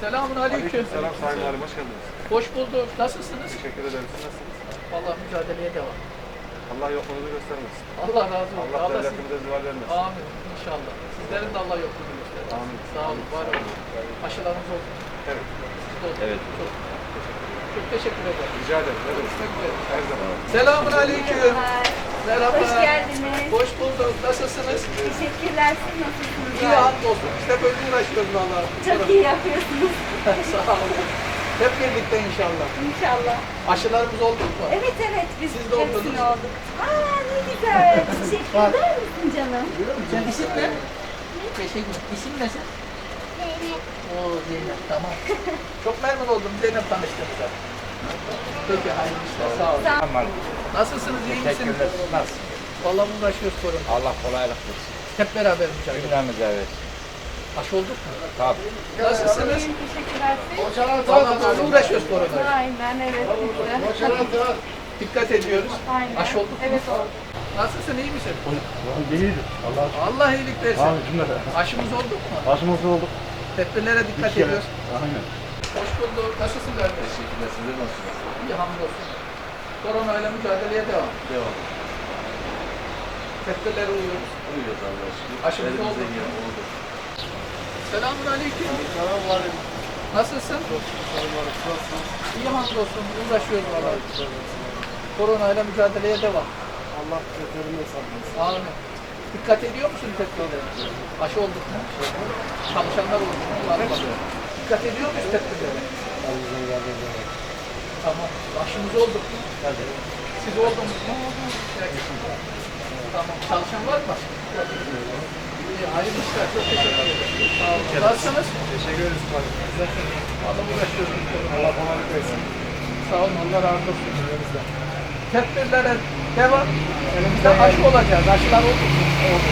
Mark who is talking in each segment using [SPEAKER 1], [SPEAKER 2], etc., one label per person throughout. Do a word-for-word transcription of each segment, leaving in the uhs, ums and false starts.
[SPEAKER 1] Selamun aleyküm.
[SPEAKER 2] Selam Sayın Valim, hoş geldiniz.
[SPEAKER 1] Hoş bulduk. Nasılsınız?
[SPEAKER 2] Teşekkür ederim. Siz nasılsınız?
[SPEAKER 1] Vallahi mücadeleye devam.
[SPEAKER 2] Allah yokluğunuzu göstermesin.
[SPEAKER 1] Allah razı olsun.
[SPEAKER 2] Allah
[SPEAKER 1] siz-
[SPEAKER 2] devletimize zeval vermesin.
[SPEAKER 1] Amin. İnşallah. Sizlerin de Allah yokluğunu göstersin.
[SPEAKER 2] Amin.
[SPEAKER 1] Sağ olun. Var olun. Aşılarınız oldu.
[SPEAKER 2] Evet.
[SPEAKER 1] Siz de oldu.
[SPEAKER 3] Evet.
[SPEAKER 1] Çok, çok teşekkür ederim.
[SPEAKER 2] Rica ederim. Ne demek?
[SPEAKER 1] Görüşmek üzere.
[SPEAKER 2] Her zaman.
[SPEAKER 1] Selamun aleyküm. Merhaba.
[SPEAKER 4] Hoş geldiniz.
[SPEAKER 1] Hoş bulduk. Nasılsınız?
[SPEAKER 4] Teşekkürler. Siz nasılsınız?
[SPEAKER 1] İyi hamdolsun. İşte böyle uğraşıyoruz vallahi.
[SPEAKER 4] Çok iyi yapıyorsunuz.
[SPEAKER 1] Sağ olun. Hep birlikte inşallah.
[SPEAKER 4] İnşallah.
[SPEAKER 1] Aşılarımız oldu mu?
[SPEAKER 4] Evet evet biz
[SPEAKER 1] Siz de oldunuz.
[SPEAKER 4] hepsini olduk. Aa ne güzel. Teşekkür eder misin canım?
[SPEAKER 1] Sen isim ne? Teşekkür. İsim ne sen? Oo Zeynep, tamam. Çok memnun oldum Zeynep tanıştığımıza. Peki, hayırlı işler, sağ olun.
[SPEAKER 4] Sağ
[SPEAKER 3] Aman.
[SPEAKER 1] Nasılsınız, iyi misiniz?
[SPEAKER 3] Teşekkürler. Nasıl?
[SPEAKER 1] Vallahi uğraşıyoruz korona.
[SPEAKER 3] Allah kolaylık versin.
[SPEAKER 1] Hep beraber mücadele.
[SPEAKER 3] Cümlemize evet.
[SPEAKER 1] Aşı olduk mu?
[SPEAKER 3] Tabii.
[SPEAKER 1] Nasılsınız?
[SPEAKER 4] İyiyim, teşekkürler. Siz?
[SPEAKER 1] Vallahi böyle uğraşıyoruz koronayla.
[SPEAKER 4] Aynen evet. Biz de.
[SPEAKER 1] Dikkat ediyoruz.
[SPEAKER 4] Aynen.
[SPEAKER 1] Aşı olduk mu?
[SPEAKER 4] Evet oldu.
[SPEAKER 1] Nasılsın, iyi misin?
[SPEAKER 5] İyiydi. Allah
[SPEAKER 1] Allah iyilik versin.
[SPEAKER 5] Abi cümle.
[SPEAKER 1] Aşımız olduk mu?
[SPEAKER 5] Başımız olduk.
[SPEAKER 1] Tedbirlere dikkat
[SPEAKER 5] Üç kere.
[SPEAKER 1] ediyoruz.
[SPEAKER 5] Aynen.
[SPEAKER 1] Hoş bulduk. Nasılsın kardeş?
[SPEAKER 3] Teşekkürler. Sizler nasılsınız?
[SPEAKER 1] İyi, hamdolsun. Koronayla mücadeleye devam.
[SPEAKER 3] Devam.
[SPEAKER 1] Tedbirlere uyuyoruz.
[SPEAKER 3] Uyuyoruz Allah'a şükür.
[SPEAKER 1] Aşımız oldu mu?
[SPEAKER 3] Elimizden gelen oldu.
[SPEAKER 1] Selamun aleyküm.
[SPEAKER 5] Selam var.
[SPEAKER 1] Nasılsın?
[SPEAKER 5] Selam var. Nasılsınız?
[SPEAKER 1] İyi hamdolsun. Uğraşıyoruz valla. Koronayla mücadeleye devam.
[SPEAKER 5] Allah beterinden saklasın.
[SPEAKER 1] Amin. Dikkat ediyor musun tedbirlere? Aşı olduk mu? Çalışanlar oldu mu? Var mı? Dikkat ediyor muyuz tedbirlere?
[SPEAKER 5] Elimizden geldiğince.
[SPEAKER 1] Tamam. Aşımız olduk mu?
[SPEAKER 5] Hadi.
[SPEAKER 1] Siz oldunuz mu? Peki. Tamam. Çalışan var mı? İyi, hayırlı işler. Çok teşekkür ederim. Sağ olun. Nasılsınız?
[SPEAKER 2] Teşekkür ederiz.
[SPEAKER 1] Valla uğraşıyoruz.
[SPEAKER 2] Allah kolaylık versin.
[SPEAKER 1] Sağ olun. Allah razı olsun. Tedbirlere devam. Elimizde aşı olacağız. Aşılar oldu mu? Oldu.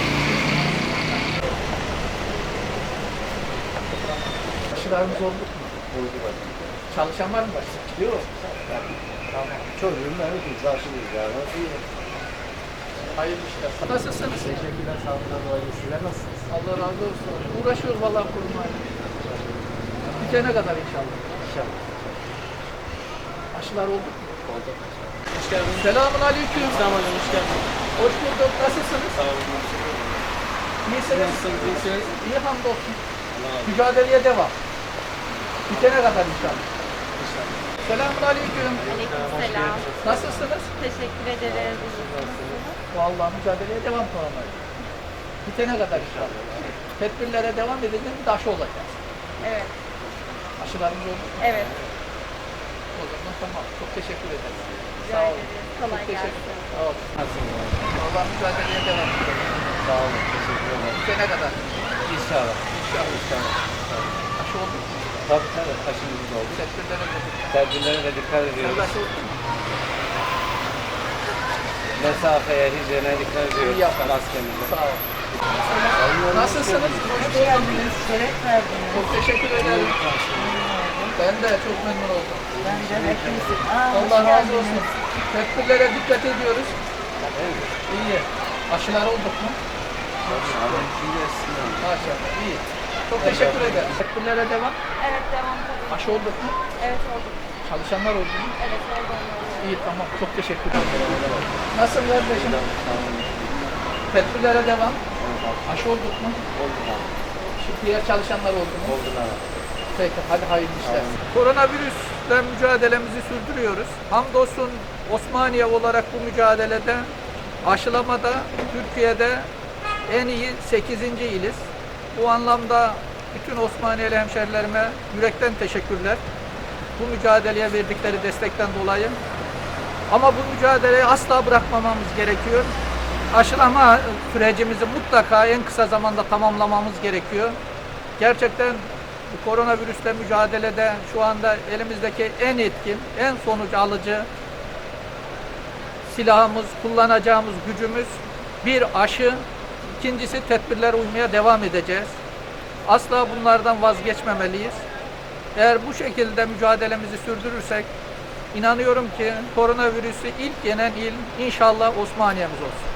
[SPEAKER 1] Aşılarımız oldu mu?
[SPEAKER 5] Oldu bak.
[SPEAKER 1] Çalışan var mı başta?
[SPEAKER 5] Yok. Tamam. Çocuğum ben hepimiz aşılıyız yani. İyi.
[SPEAKER 1] Hayırlı işler. Nasılsınız?
[SPEAKER 5] Teşekkürler. Sağlıklar dolayı. Sizler nasılsınız?
[SPEAKER 1] Allah razı olsun. Uğraşıyoruz vallahi kurmayla. Bitene kadar inşallah.
[SPEAKER 5] İnşallah.
[SPEAKER 1] Aşılar oldu mu?
[SPEAKER 5] Oldu.
[SPEAKER 1] Hoş geldiniz. Selamun aleyküm.
[SPEAKER 5] Tamam hoş geldin.
[SPEAKER 1] Hoş bulduk. Nasılsınız?
[SPEAKER 5] Sağ olun.
[SPEAKER 1] İyisiniz.
[SPEAKER 5] Nasılsınız? İyisiniz.
[SPEAKER 1] İyi hamdolsun. Mücadeleye devam. Bitene kadar inşallah. Selamun aleyküm.
[SPEAKER 4] Aleykümselam.
[SPEAKER 1] Nasılsınız?
[SPEAKER 4] Teşekkür ederiz.
[SPEAKER 1] Vallahi mücadeleye devam koronayla. Bitene kadar inşallah. Tedbirlere devam edeceğiz. Bir de aşı olacağız.
[SPEAKER 4] Evet.
[SPEAKER 1] Aşılarımız oldu.
[SPEAKER 4] Evet.
[SPEAKER 1] O zaman tamam. Çok teşekkür ederim.
[SPEAKER 4] Rica
[SPEAKER 1] Sağ olun.
[SPEAKER 4] ederiz.
[SPEAKER 1] Çok
[SPEAKER 4] Kolay
[SPEAKER 1] teşekkür
[SPEAKER 4] gelsin.
[SPEAKER 1] ederim. Sağ olun. Allah mücadeleye devam edelim.
[SPEAKER 3] Sağ olun. Teşekkür ederim.
[SPEAKER 1] Bitene kadar.
[SPEAKER 3] İnşallah.
[SPEAKER 1] İnşallah.
[SPEAKER 3] İnşallah.
[SPEAKER 1] Aşı oldu mu?
[SPEAKER 3] Tabii tabii. Aşımız oldu.
[SPEAKER 1] Tedbirlere dedik.
[SPEAKER 3] Tedbirlere de dikkat
[SPEAKER 1] Sen
[SPEAKER 3] ediyoruz.
[SPEAKER 1] de aşı oldun mu?
[SPEAKER 3] Mesafeye, hijyene dikkat
[SPEAKER 1] İyi
[SPEAKER 3] ediyoruz.
[SPEAKER 1] yaptın.
[SPEAKER 3] Maskemize.
[SPEAKER 1] Sağ ol. Nasılsınız? Hoş geldiniz.
[SPEAKER 4] Şeref verdiniz.
[SPEAKER 1] Çok teşekkür ederim. Ben de çok memnun oldum.
[SPEAKER 4] Ben de hepinizin.
[SPEAKER 1] Allah razı olsun. Tedbirlere dikkat ediyoruz. İyi. Aşılar olduk mu? Maşallah. İyi. Çok teşekkür ederim. Tedbirlere devam.
[SPEAKER 4] Evet devam tabii.
[SPEAKER 1] Aşı olduk mu?
[SPEAKER 4] Evet oldu.
[SPEAKER 1] Çalışanlar oldu mu?
[SPEAKER 4] Evet oldu.
[SPEAKER 1] İyi, tamam. Çok teşekkür ederim. Nasıl kardeşim? Tedbirlere devam. Aşı olduk mu? Şu diğer çalışanlar oldu mu?
[SPEAKER 3] Oldular.
[SPEAKER 1] Peki, hadi hayırlı işler. Koronavirüsle mücadelemizi sürdürüyoruz. Hamdolsun Osmaniye olarak bu mücadelede aşılamada Türkiye'de en iyi sekizinci iliz. Bu anlamda bütün Osmaniyeli hemşerilerime yürekten teşekkürler. Bu mücadeleye verdikleri destekten dolayı. Ama bu mücadeleyi asla bırakmamamız gerekiyor. Aşılama sürecimizi mutlaka en kısa zamanda tamamlamamız gerekiyor. Gerçekten bu koronavirüsle mücadelede şu anda elimizdeki en etkin, en sonuç alıcı silahımız, kullanacağımız gücümüz bir aşı, ikincisi tedbirlere uymaya devam edeceğiz. Asla bunlardan vazgeçmemeliyiz. Eğer bu şekilde mücadelemizi sürdürürsek, inanıyorum ki koronavirüsü ilk yenen il inşallah Osmaniye'miz olsun.